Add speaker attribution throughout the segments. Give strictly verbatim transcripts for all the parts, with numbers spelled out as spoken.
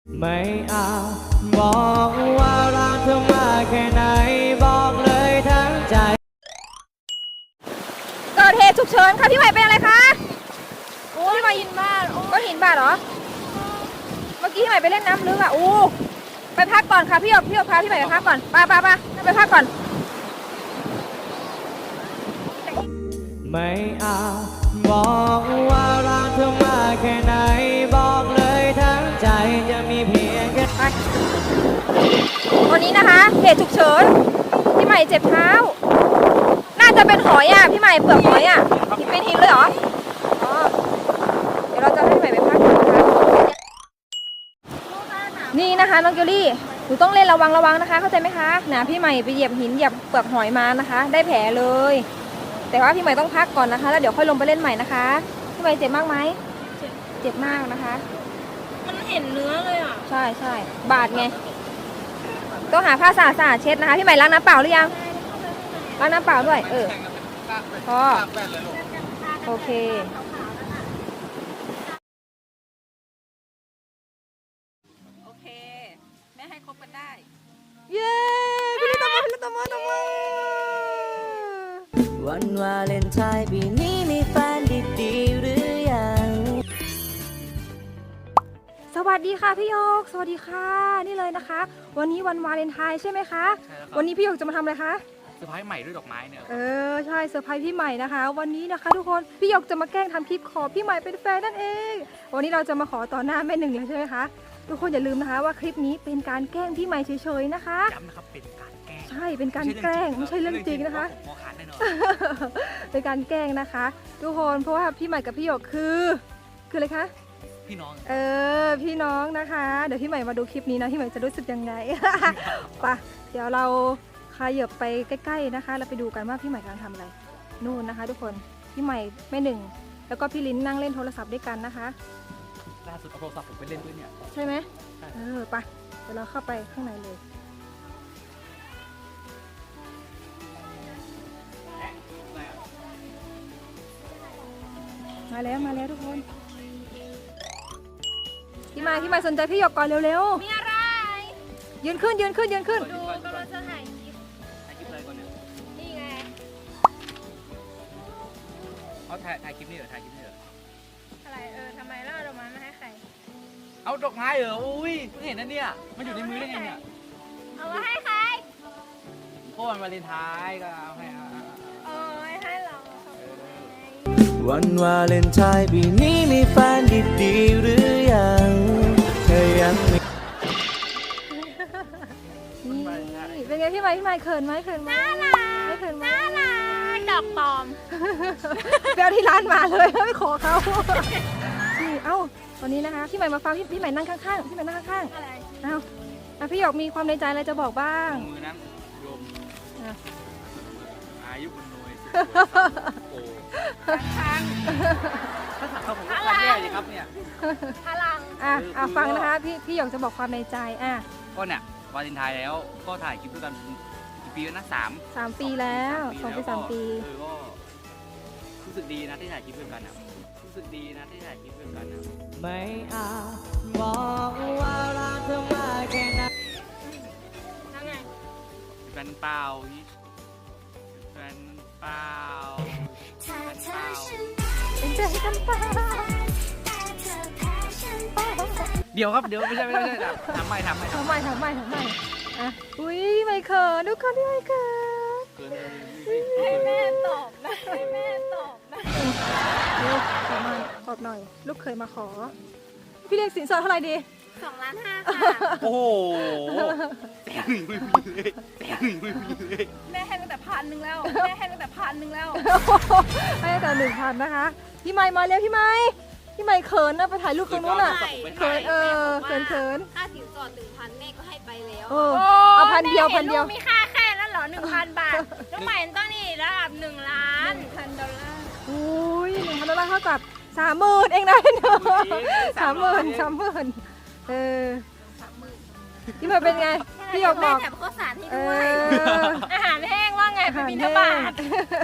Speaker 1: ไม่อาจบอกว่ารักเธอมากแค่ไหนบอกเลยทั้งใจ
Speaker 2: เกิดเหตุฉุกเฉินค่ะพี่ใหม่เป็นอะไรคะโอ้ยพี่ใหม่หินบาดก็หินบาดเหรอเมื่อกี้พี่ใหม่ไปเล่นน้ำลึกอ่ะอู้ไปพักก่อนค่ะพี่หยกพี่หยกพาพี่ใหม่ไปพักก่อนไปไปไปไปพักก่อน
Speaker 1: ไม่อาจบอกว่ารักเธอมากแค่ไหนบอกเลยทั้งใจจะมีเพียงแค่
Speaker 2: ไปวันนี้นะคะเหตุฉุกเฉินพี่ใหม่เจ็บเท้าน่าจะเป็นหอยอ่ะพี่ใหม่เปลือกหอยอ่ะเป็นหินเลยเหรออ๋อเดี๋ยวเราจะให้พี่ใหม่ไปพักก่อนนะคะนี่นะคะน้องเกลลี่หนูต้องเล่นระวังระวังนะคะเข้าใจไหมคะนะพี่ใหม่ไปเหยียบหินเหยียบเปลือกหอยมานะคะได้แผลเลยแต่ว่าพี่ใหม่ต้องพักก่อนนะคะแล้วเดี๋ยวค่อยลงไปเล่นใหม่นะคะพี่ใหม่เจ็บมากไหมเจ็บมากนะคะ
Speaker 3: มันเห็นเนื้อเลยอ่ะ
Speaker 2: ใช่ใช่บาดไงต้องหาผ้าสะอาดๆเช็ดนะคะพี่ใหม่ล้างน้ำเปล่าหรือยังล้างน้ำเปล่าด้วยเออพอโอเค
Speaker 3: โอเคแม่ให้คบกันได้
Speaker 2: เย้พี่ลิตมาพี่ลิตมาตมา
Speaker 1: วันวาเลนไทน์ปีนี้มีแฟนดีๆหรือยัง
Speaker 2: สวัสดีค่ะพี่โยกสวัสดีค่ะนี่เลยนะคะวันนี้วันวาเลนไทน์ใช่ไหมคะวันนี้พี่โยกจะมาทำอะไรคะ
Speaker 4: เซอร์ไพรส์ใหม่ด้วยดอกไม้เนี่ย
Speaker 2: เออใช่เซอร์ไพรส์พี่ใหม่นะคะวันนี้นะคะทุกคนพี่โยกจะมาแกล้งทำคลิปขอพี่ใหม่เป็นแฟนนั่นเองวันนี้เราจะมาขอต่อหน้าแม่หนึ่งเลยใช่ไหมคะทุกคนอย่าลืมนะคะว่าคลิปนี้เป็นการแกล้งพี่ใหม่เฉยๆนะคะ
Speaker 4: ย้ำนะครับเป็นการแกล้ง
Speaker 2: ใช่เป็นการแกล้งไม่ใช่เรื่องจริงนะคะ
Speaker 4: หัวขาดแน่นอน
Speaker 2: เป็นการแกล้งนะคะทุกคนเพราะว่าพี่ใหม่กับพี่โยกคือคืออะไรคะ
Speaker 4: พี่น้อง
Speaker 2: เออพี่น้องนะคะเดี๋ยวพี่ใหม่มาดูคลิปนี้นะพี่ใหม่จะรู้สึกยังไงไปเดี๋ยวเราขยับไปใกล้ๆนะคะเราไปดูกันว่าพี่ใหม่กำลังทำอะไรนู่นนะคะทุกคนพี่ใหม่แม่หนึ่งแล้วก็พี่ลิ้นนั่งเล่นโทรศัพท์ด้วยกันนะคะ
Speaker 4: ล่าสุดเอาโทรศัพท์ผมไปเล่นด้วยเนี่ย
Speaker 2: ใช่ไหมเออไปเดี๋ยวเราเข้าไปข้างในเลยมาแล้วมาแล้วทุกคนพี่ใหม่พี่ใหม่สนใจพี่หยกก่อนเร็ว
Speaker 3: ๆมีอะไร
Speaker 2: ยืนขึ้นยืนขึ้นยืนขึ้น
Speaker 3: ดูกำลังจะถ่ายคลิป
Speaker 4: ถ่ายคลิปอะไรก่อนเนี่ย
Speaker 3: นี่ไง
Speaker 4: เอาถ่ายถ่ายคลิปนี่เหรอถ่ายคลิปนี่เหรอ
Speaker 3: อะไรเออทำไมล่ะดอกไม้มาให้ใคร
Speaker 4: เอาดอกไม้เหรออุ้ยเพิ่งเห็นนะเนี่ยมันอยู่ในมือได้ไงเนี่ย
Speaker 3: เอามาให้ใคร
Speaker 4: โอ้วันวาเลนไทน์ก็เอาให้เอา
Speaker 3: โอ้ยให้เรา
Speaker 1: วันวาเลนไทน์ปีนี้มีแฟนดีๆหรือยังเธอยังไม่
Speaker 2: นี่เป็นไงพี่ใหม่พี่ใหม่เขินไหมเขินไหม
Speaker 3: น่ารัก
Speaker 2: ไม่เขินไหม
Speaker 3: น่ารักดอกปลอม
Speaker 2: ไปเอาที่ร้านมาเลยไม่ขอเขานี่เอ้าวันนี้นะคะพี่ใหม่มาฟังพี่พี่ใหม่นั่งข้างๆพี่ใหม่นั่งข้าง
Speaker 3: ๆอะไร
Speaker 2: เอ้าพี่หยกมีความในใจอะไรจะบอกบ้าง
Speaker 4: มือนั้นโยมอายุบุญนวยโอ้
Speaker 3: ค้าง
Speaker 4: ถ้าถามเขาผมก็แย่เลยครับเนี่ย
Speaker 3: พลัง
Speaker 2: อ่ะอ่ะฟังนะคะพี่พี่หยกจะบอกความในใจอ่ะ
Speaker 4: ก็เนี่ยวาเลนไทน์แล้วก็ถ่ายคลิปด้วยกันกี่ปีแล้วนะสาม
Speaker 2: สามปีแล้วสองปีสามปี
Speaker 4: เออก็รู้สึกดีนะที่ถ่ายคลิปด้วยกันนะรู้สึกดีนะที่ถ่ายคลิปด้วยกันนะ
Speaker 1: ไม่อาจบอกว่ารักเธอมากแค่ไหน
Speaker 3: แล้วไง
Speaker 4: แฟนเปล่าแฟนเปล่าแฟนเปล่า
Speaker 2: เป็นใจกันเปล่า
Speaker 4: เดี๋ยวครับเดี๋ยวไม่ใช่ไม่ใช่ทำใหม่ทำใหม่
Speaker 2: ทำใหม่ทำใหม่ทำใหม่อ่ะอุ้ยไม่เขินทุกคนที่ไม่เขิน
Speaker 3: ให้แม่ตอบนะให้แม่ตอบนะ
Speaker 2: ลูกขอหน่อยตอบหน่อยลูกเคยมาขอพี่เรียกสินสอดเท่าไหร่ดี
Speaker 3: สองล้านห้าค่ะ
Speaker 4: โอ้โหแต่หนึ่งไม่มีเลยแต่หนึ่งไม่มีเลย
Speaker 3: แม่ให้ตั้งแต่พันหนึ่งแล้วแม่ให้ตั้งแต่พันหนึ่งแล้ว
Speaker 2: ให้ตั้งแต่หนึ่งพันนะคะพี่ไมค์มาเร็วพี่ไมค์พี่ไมค์เขินนะไปถ่ายรูปตรงนู้นอ่ะเขินเออเขินเขิน
Speaker 3: ค่าสินสอดหนึ่งพันแม่ก็ให้ไปแล้ว
Speaker 2: เอาพันเดียวพันเดียว
Speaker 3: มีค่าแค่นั้นเหรอหนึ่งพันบาทน้องใหม่ต้องนี่ระดับหนึ่งล้านพันดอลลาร์
Speaker 2: อุ้ยหนึ่งพันดอลลาร์เท่ากับสามหมื่นเองนะเนาะสามหมื่นสามหมื่นเออพี่มาเป็นไงพี่หยกบอก
Speaker 3: แถมข้าวสารให้ด้วยอาหารแห้งว่าไงเป็นบิณฑบาต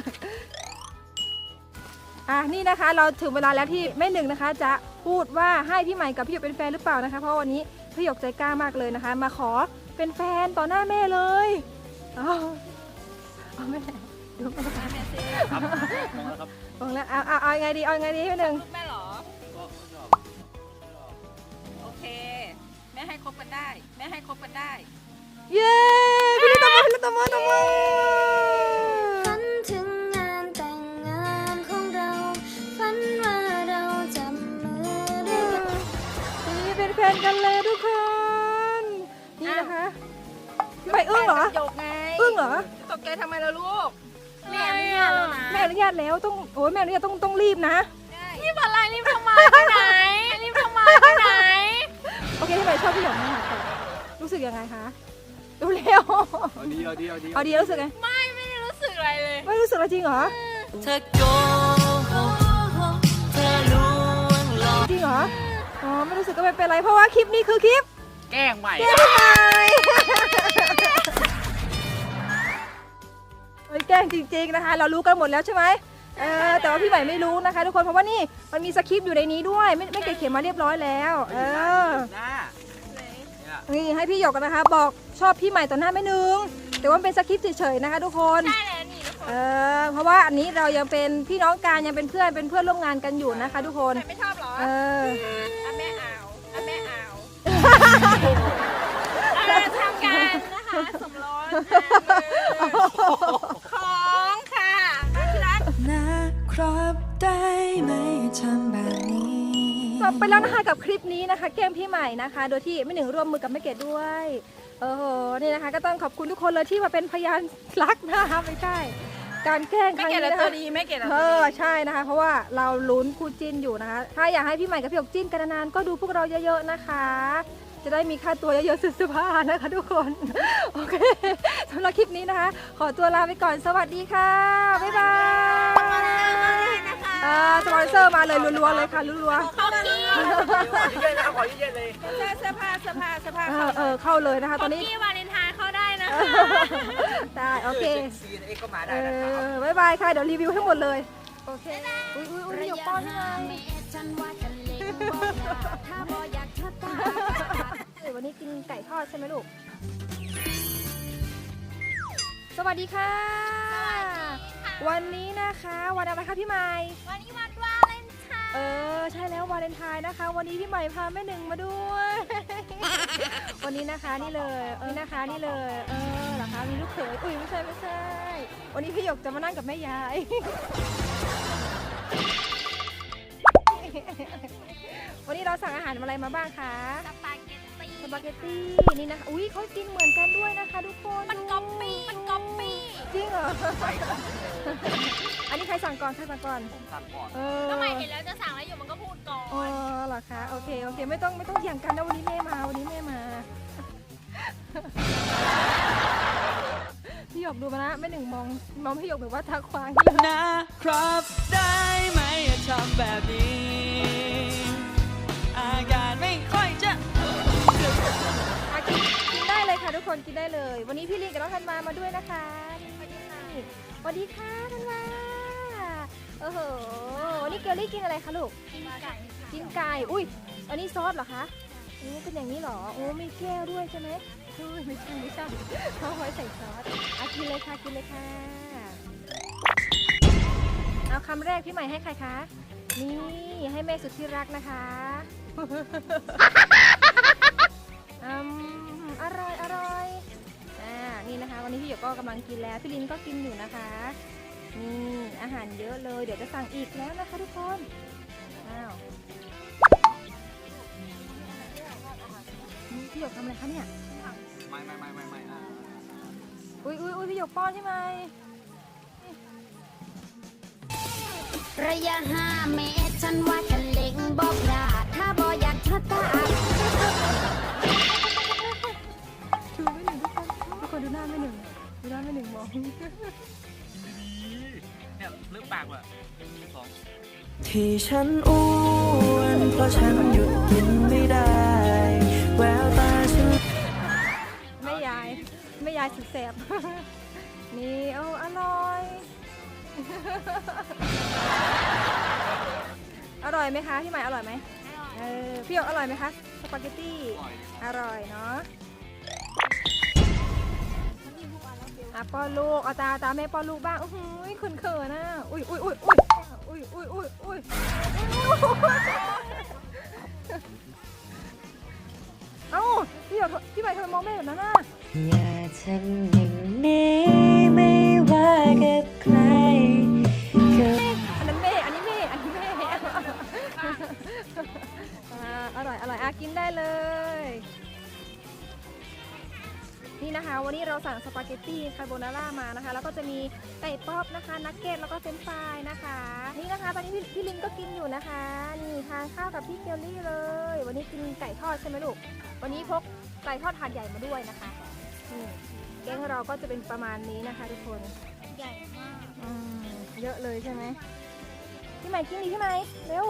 Speaker 2: อ่ะนี่นะคะเราถึงเวลาแล้วที่แม่หนึ่งนะคะจะพูดว่าให้พี่ใหม่กับพี่หยกเป็นแฟนหรือเปล่านะคะเพราะวันนี้พี่หยกใจกล้ามากเลยนะคะ มาขอเป็นแฟนต่อหน้าแม่เลยเอาเอาแม่ดูมา
Speaker 3: แม่ซิ
Speaker 4: ครับมองแล้วครับ
Speaker 2: บอกแล้วเอาเอาเอายังไงดีเอายังไงดีพี่หนึ่ง
Speaker 3: รูปแม่เหรอ
Speaker 4: ก็ไม่ชอบ
Speaker 3: โอเค แม่ให้คบกันได้ แม่ให้คบกันได้
Speaker 2: เย้พี่ลิตตบมือพี่ลิตตบมือตบมือ
Speaker 5: ฝันถึงงานแต่งงานของเรา ฝันว่าเราจับมือด้วยกัน
Speaker 2: นี่เป็นแฟนกันเลยทุกคน นี่นะคะพี่ใหม่อึ้งเหรอ
Speaker 3: จบไง
Speaker 2: อึ้งเหรอ
Speaker 3: ตกใจทำไมล่ะลูก แม่อนุญาตแล้วนะ
Speaker 2: แม่อนุญาตแล้วต้องโอ้ยแม่อนุญาตต้องต้องรีบนะ
Speaker 3: รีบอะไรรีบทำไมไปไหนรีบทำไมไปไหน
Speaker 2: โอเคพี่ใหม่ชอบพี่หยกมากค่ะรู้สึกยังไงคะดูเร็ว
Speaker 4: เอาดีเอาดีเอาดี
Speaker 2: เอาดีรู้สึกไง
Speaker 3: ไม่ไม่ได้รู้สึกอะไรเลย
Speaker 2: ไม่รู้สึกอะไรจริงเหรอ
Speaker 1: เธอโกหกเธอลวงหลอก
Speaker 2: จริงเหรออ๋อไม่รู้สึกก็ไม่เป็นไรเพราะว่าคลิปนี้คือคลิป
Speaker 4: แกล้งใหม่
Speaker 2: แกล้งพี่ใหม่เฮ้ยแกล้งจริงๆนะคะ เรารู้กันหมดแล้วใช่ไหมเออแต่ว่าพี่ใหม่ไม่รู้นะคะทุกคนเพราะว่านี่มันมีสคริปต์อยู่ในนี้ด้วยไม่ไม่เกเขียนมาเรียบร้อยแล้วเออ
Speaker 4: หน้า
Speaker 2: นี่ให้พี่หยกกันนะคะ บอกชอบพี่ใหม่ต่อหน้าแม่นึงแต่ว่าเป็นสคริปต์เฉยๆนะคะทุกคน
Speaker 3: ได้แล้วนี่ทุกคน
Speaker 2: เออเพราะว่าอันนี้เรายังเป็นพี่น้องกันยังเป็นเพื่อนเป็นเพื่อนร่วมงานกันอยู่นะคะ ทุกคน
Speaker 3: ใครไม่ชอบเหรอ
Speaker 2: เออ
Speaker 3: อ่ะแม่เอาอ่ะแม่เอาอ่ะทำกันนะคะสมรสของค่ะที่รัก
Speaker 1: นะครับได้ไหมทำแบบนี้
Speaker 2: จบไปแล้วนะคะกับคลิปนี้นะคะแกล้งพี่ใหม่นะคะ โดยที่ไม่หนึ่งร่วมมือกับแม่เกดด้วยเออโหนี่นะคะ ก็ต้องขอบคุณทุกคนเลยที่มาเป็นพยานรักนะคะไม่ใช่การแกล้งค
Speaker 3: ไม่
Speaker 2: รั้ง
Speaker 3: เกลียด
Speaker 2: นี้
Speaker 3: แล้ว
Speaker 2: นะ
Speaker 3: ตั
Speaker 2: คะ
Speaker 3: วดีไม่เกลียดแล้ว
Speaker 2: เอ
Speaker 3: ตัว
Speaker 2: อ
Speaker 3: ดี
Speaker 2: ใช่นะคะ เพราะว่าเราลุ้นคู่จิ้นอยู่นะคะ ถ้าอยากให้พี่ใหม่กับพี่หยกจิ้นกันนานๆก็ดูพวกเราเยอะๆนะคะ จะได้มีค่าตัวเยอะๆสุดสภานะคะทุกคนโอเคสำหรับคลิปนี้นะคะ ขอตัวลาไปก่อนสวัสดีค่ะบ๊ายบายอ่าสปอนเซอร์มาเลยรัวๆเลยค่ะรัวๆ
Speaker 3: เข้าที่
Speaker 4: เย็นๆนะครับขอเย็นๆเลย
Speaker 3: เสื้อผ้าเสื้อผ้าเสื้อผ้า
Speaker 2: เอ
Speaker 3: เข้า
Speaker 2: อเออเข้าเลยนะคะ
Speaker 3: ข
Speaker 2: ต
Speaker 3: อ
Speaker 2: อง นนี้
Speaker 3: พี่วาเลนไทน์เข้าได้นะคะ
Speaker 2: ได้โอเค
Speaker 4: ซีนเอ็กก็มา
Speaker 2: เอ
Speaker 4: ได้นะครับ
Speaker 2: อบ๊ายบายค่ะเดี๋ยวรีวิวให้หมดเลยโอเคอุ้ยอุ้ยอุ้ย
Speaker 5: ระ
Speaker 2: หยก
Speaker 5: ยะ
Speaker 2: ป้อน
Speaker 5: ห้า
Speaker 2: ไง
Speaker 5: เมตรฉันว่าจะเล็งบอกลาถ้าบ่อยากเธอตาย
Speaker 2: วันนี้กินไก่ทอดใช่ไหมลูกสวัสดีค่ะ วันนี้นะคะวันอะไรคะพี่ใหม่
Speaker 3: วันนี้วันวาเลนไทน์
Speaker 2: เออใช่แล้ววาเลนไทน์นะคะ วันนี้พี่ใหม่พาแม่หนึ่งมาด้วย วันนี้นะคะนี่เลยเออนะคะนี่เลยเออเหรอคะมีลูกเขยอุ้ยไม่ใช่ไม่ใช่ วันนี้พี่หยกจะมานั่งกับแม่ยาย วันนี้เราสั่งอาหารอะไรมาบ้างคะ
Speaker 3: สปาเกตตี้
Speaker 2: สปาเกตตี้นี่นะคะอุ้ยเขากินเหมือนกันด้วยนะคะทุกคน
Speaker 3: มันก๊อปปี้มันก๊อปปี้
Speaker 2: จริงเหรอ อันนี้ใครสั่งก่อนใครสั่งก่อน
Speaker 4: ผมสั่งก่อน
Speaker 2: เออ
Speaker 3: ทำไมเห็นแล้วจะสั่งแล้วอยู่มันก็พูดก่อ
Speaker 2: อ๋อน เหรอคะโอเคโอเคไม่ต้องไม่ต้องเถียงกันนะวันนี้แม่มาวันนี้แม่มา พี่หยกดูมานะแม่หนึ่งมองมองพี่หยกแบบว่าทักควางเลย
Speaker 1: นะครับได้ไหมทำแบบนี้ อาการไม่ค่อยจะ
Speaker 2: อ่ะกินกินได้เลยค่ะทุกคนกินได้เลย วันนี้พี่ลิงกับน้องธันวามาด้วยนะคะนี่สวัสดีค่ะธันวาโอ้โหวันนี้เกลลี่กินอะไรคะลูก
Speaker 3: กินไก่
Speaker 2: กินไก่อุ้ยอันนี้ซอสเหรอคะโอ้เป็นอย่างนี้เหรอโอ้มีแก้วด้วยใช่ไหมเฮ้ยไม่ใช่ไม่ใช่เขาไว้ใส่ซอสอ่ะกินเลยค่ะกินเลยค่ะเอาคำแรกพี่ใหม่ให้ใครคะนี่ให้แม่สุดที่รักนะคะ อืมอร่อยอร่อยอ่านี่นะคะ วันนี้พี่หยกก็กำลังกินแล้วพี่ลินก็กินอยู่นะคะนี่อาหารเยอะเลยเดี๋ยวจะสั่งอีกแล้วนะคะทุกคนอ้าวนี่พี่หยกทำอะไรคะเนี่ย
Speaker 4: ไม่ไม่ไม่ไม่ไม่นะ
Speaker 2: อุ้ยอุ้ยอุ้ยพี่หยกป้อนใช่ไหม
Speaker 5: ระยะห้าเมตรฉันว่าจะเล็งบอกลาถ้าบ่อยากเธอตาย
Speaker 2: ชูไม่หนึ่งทุกคนทุกคนดูหน้าไม่หนึ่งดูหน้าไม่หนึ่งมอง
Speaker 4: ดีเนี่ยเลือกปากว่ะหนึ่งสอง
Speaker 1: ที่ฉันอ้วนเพราะฉันหยุดกินไม่ได้ แววตาฉัน
Speaker 2: แม่ยายแม่ยายสุดแสบ นี่เอาอร่อย อร่อยไหมคะพี่ใหม่อร่อยไหม
Speaker 3: อร่อย
Speaker 2: เออพี่หยกอร่อยไหมคะสปาเกตตี้
Speaker 4: อร่อย
Speaker 2: อร่อยเนาะอ่ะป้อนลูกเอาตาตาแม่ป้อนลูกบ้างอุ้ยเขินเขินนะอุ้ยอุ้ยอุ้ยอุ้ยอุ้ยอุ้ยอุ้ยอุ้ยเอ้าพี่หยกพี่ใบทำไมมองแม่แบบนั้นน่ะ
Speaker 6: อย่าทำอย่างนี้ไม่ว่ากับใครก็
Speaker 2: อันนั้นแม่อันนี้แม่อันนี้แม่อ่าอร่อยอร่อยอ่ะกินได้เลยนี่นะคะวันนี้เราสั่งสปาเกตตี้คาโบนาร่ามานะคะแล้วก็จะมีไก่ป๊อปนะคะนักเก็ตแล้วก็เฟรนช์ฟรายนะคะนี่นะคะตอนนี้พี่พี่ลินก็กินอยู่นะคะนี่ทานข้าวกับพี่เกลลี่เลย วันนี้กินไก่ทอดใช่ไหมลูกวันนี้พกไก่ทอดถาดใหญ่มาด้วยนะคะนี่แกงเราก็จะเป็นประมาณนี้นะคะทุกคน
Speaker 3: ใหญ่มาก
Speaker 2: อืมเยอะเลยใช่ไหมพี่ใหม่กินดิพี่ใหม่เร็ว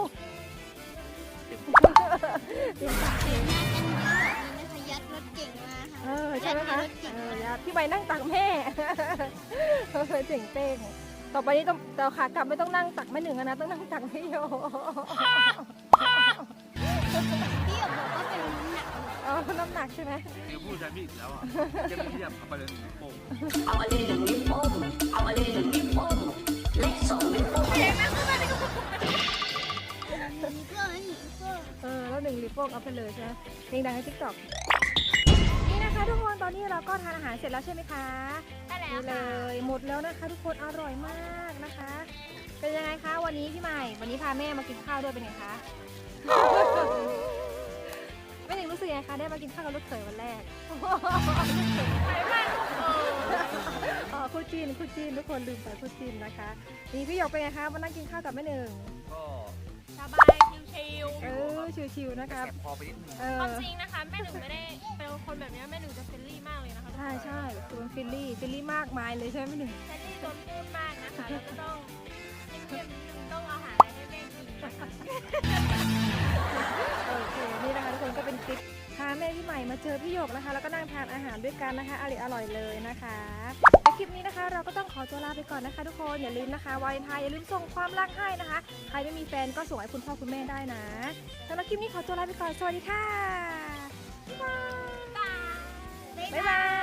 Speaker 5: เสียงหน้ากันเยอะแบบนี้นะคะยัดรถเก่งมาค่ะ
Speaker 2: เออใช่ไหมคะเอออย่าพี่ใบนั่งตักแม่ เออเจ๋งเป้งต่อไปนี้ต้องแต่ขากลับไม่ต้องนั่งตักแม่หนึ่งแล้วนะต้องนั่งตักพี่โย
Speaker 5: พี่หยกบอกว่าเป็นน้ำหนัก
Speaker 2: อ๋อน้ำหนักใช่ไหม
Speaker 4: เดี๋ยวพูดใช้พี่อีกแล้วอ่ะจะมีเทียบเข้าไปเลยหนึ่งโป่ง
Speaker 5: มีเพื่อนมีเพื่อน
Speaker 2: เออแล้วหนึ่งลิปโป้งเอาไปเลยใช่ไหมเพลงดังในทิกตอกนี่นะคะทุกคนตอนนี้เราก็ทานอาหารเสร็จแล้วใช่ไหมคะ
Speaker 3: ได้แล้ว
Speaker 2: นี่เล
Speaker 3: ค่ะ
Speaker 2: ยหมดแล้วนะคะทุกคนอร่อยมากนะคะ เป็นยังไงคะวันนี้พี่ใหม่วันนี้พาแม่มากินข้าวด้วยเป็นไงคะ แม่หนิงรู้สึกยังไงคะได้มากินข้าวกับลูกเขยวันแรกอ๋อคู่จีนคู่จีนทุกคนลืมไปคู่จีนนะคะนี่พี่หยกเป็นไงคะมานั่งกินข้าวกับแม่หนึ่ง
Speaker 4: ก็
Speaker 3: สบายชิว
Speaker 2: เออชิวๆนะคะ
Speaker 4: แสบคอไปนิดนึง
Speaker 2: เอ
Speaker 3: ๆ
Speaker 2: อ
Speaker 3: ความจริงนะคะแม่หนึ่งไม่ได้เป็นคนแบบนี้แม่หนึ่งจะเฟรนลี่มากเลยนะคะ
Speaker 2: ใช่ใช่คือมันฟิลลี่ฟิลลี่มากมายเลยใช่ไหมแม่หนึ่ง
Speaker 3: เฟรนลี่จนพูดมากนะคะแล้วก็ต้องเงียบๆนิดนึงต้องเอาอาหารอะไรให้แม่กินนะคะ
Speaker 2: โอเคนี่นะคะทุกคนก็เป็นคลิปพาแม่พี่ใหม่มาเจอพี่หยกนะคะ แล้วก็นั่งทานอาหารด้วยกันนะคะอร่อยอร่อยเลยนะคะในคลิปนี้นะคะ เราก็ต้องขอตัวลาไปก่อนนะคะ ทุกคนอย่าลืมนะคะวาเลนไทน์อย่าลืมส่งความรักให้นะคะ ใครไม่มีแฟนก็ส่งให้คุณพ่อคุณแม่ได้นะสำหรับคลิปนี้ขอตัวลาไปก่อนสวัสดีค่ะบ๊ายบาย
Speaker 3: บ๊าย
Speaker 2: บ๊าย
Speaker 3: บา
Speaker 2: บาย ย